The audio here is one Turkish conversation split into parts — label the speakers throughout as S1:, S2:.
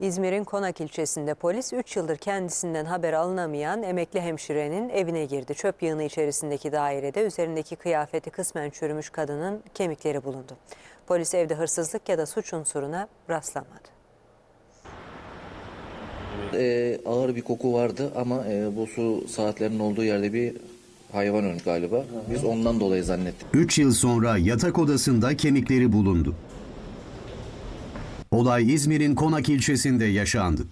S1: İzmir'in Konak ilçesinde polis 3 yıldır kendisinden haber alınamayan emekli hemşirenin evine girdi. Çöp yığını içerisindeki dairede üzerindeki kıyafeti kısmen çürümüş kadının kemikleri bulundu. Polis evde hırsızlık ya da suç unsuruna rastlamadı.
S2: Ağır bir koku vardı ama bu su saatlerinin olduğu yerde bir hayvan ölmüş galiba. Biz ondan dolayı zannettik.
S3: 3 yıl sonra yatak odasında kemikleri bulundu. Olay İzmir'in Konak ilçesinde yaşandı.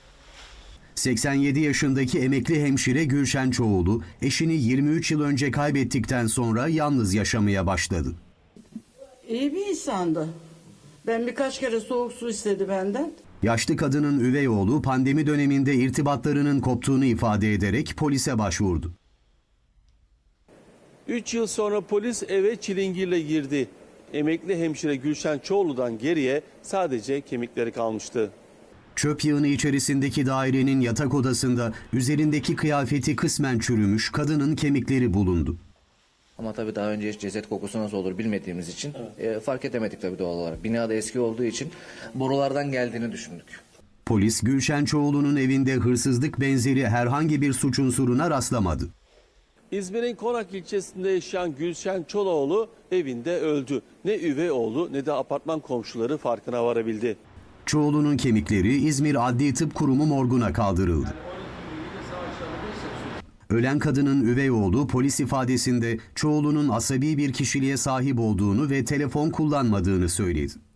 S3: 87 yaşındaki emekli hemşire Gülşen Çoğulu, eşini 23 yıl önce kaybettikten sonra yalnız yaşamaya başladı.
S4: İyi bir insandı. Ben birkaç kere soğuk su istedi benden.
S3: Yaşlı kadının üvey oğlu pandemi döneminde irtibatlarının koptuğunu ifade ederek polise başvurdu.
S5: 3 yıl sonra polis eve çilingirle girdi. Emekli hemşire Gülşen Çoğulu'dan geriye sadece kemikleri kalmıştı.
S3: Çöp yığını içerisindeki dairenin yatak odasında üzerindeki kıyafeti kısmen çürümüş kadının kemikleri bulundu.
S2: Ama tabii daha önce hiç ceset kokusu nasıl olur bilmediğimiz için fark edemedik tabii doğal olarak. Bina da eski olduğu için borulardan geldiğini düşündük.
S3: Polis Gülşen Çoğulu'nun evinde hırsızlık benzeri herhangi bir suç unsuruna rastlamadı.
S5: İzmir'in Konak ilçesinde yaşayan Gülşen Çoğulu evinde öldü. Ne üvey oğlu ne de apartman komşuları farkına varabildi.
S3: Çoğulu'nun kemikleri İzmir Adli Tıp Kurumu morguna kaldırıldı. Ölen kadının üvey oğlu polis ifadesinde Çoğulu'nun asabi bir kişiliğe sahip olduğunu ve telefon kullanmadığını söyledi.